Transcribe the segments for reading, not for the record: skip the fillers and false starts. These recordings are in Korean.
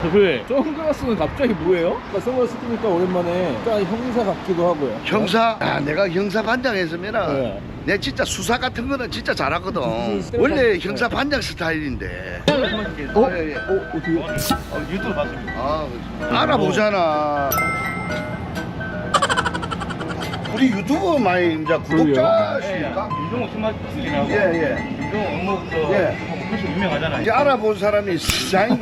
왜? 선글라스는 갑자기 뭐예요? 선글라스 끼니까 오랜만에 약간 형사 같기도 하고요. 형사? 아, 내가 형사 반장 했으면은 네. 내 진짜 수사 같은 거는 진짜 잘하거든. 원래 형사 반장 스타일인데. 예, 예. 어떻게? 유튜브 봤습니다. 아, 알아보잖아. 우리 유튜브 많이 이제 구독자십니까? 윤종호 신발 쓰기하고 예, 예. 윤종호 업무 예. 훨씬 유명하잖아요. 이제 알아본 사람이 사장님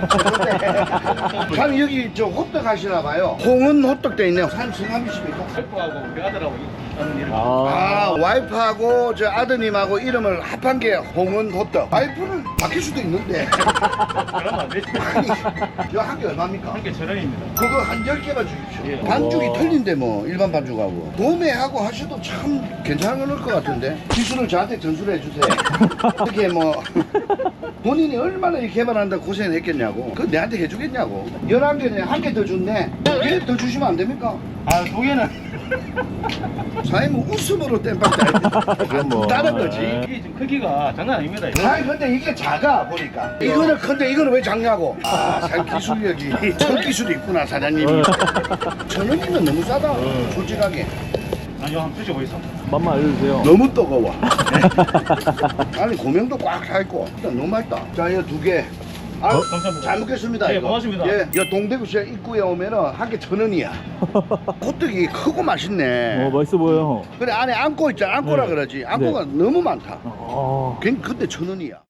참 여기 저 호떡 하시나 봐요. 홍은 호떡 돼 있네요. 사장님 성함이십니까? 와이프하고 우리 아들하고 하는 일을 아, 와이프하고 저 아드님하고 이름을 합한 게 홍은 호떡. 와이프는 바뀔 수도 있는데. 그러면 안 되지. 이거 한 개 얼마입니까? 한개 1,000원입니다. 그거 한 10개만 주십시오. 예. 반죽이 틀린데 뭐 일반 반죽하고 도매하고 하셔도 참 괜찮을 것 같은데 기술을 저한테 전수를 해주세요. 이렇게 뭐 본인이 얼마나 이 개발한다고 고생을 했겠냐고 그거 내한테 해주겠냐고. 11개는 한 개 더 줬네. 왜 더 주시면 안 됩니까? 아, 두 개는 사장님은 웃음으로 땜빵 뭐. 다른 거지. 이게 지금 크기가 장난 아닙니다. 아니 근데 이게 작아 보니까 이거는 큰데 이거는 왜 작냐고. 아 사장님 기술력이 손기술이 있구나 사장님이. 1,000원이면 너무 싸다 솔직하게. 아니요, 한번 드셔보겠습니다. 맛만 알려주세요. 너무 뜨거워. 아니 고명도 꽉 차있고 일단 너무 맛있다. 자 이거 2개. 아, 감사합니다. 잘 먹겠습니다. 네, 이거. 고맙습니다. 예, 여 동대구시장 입구에 오면은 한 개 1,000원이야. 호떡이 크고 맛있네. 맛있어 보여요. 그래 안에 안고 있잖아. 안고라 네. 그러지. 안고가 너무 많다. 어. 근데 1,000원이야.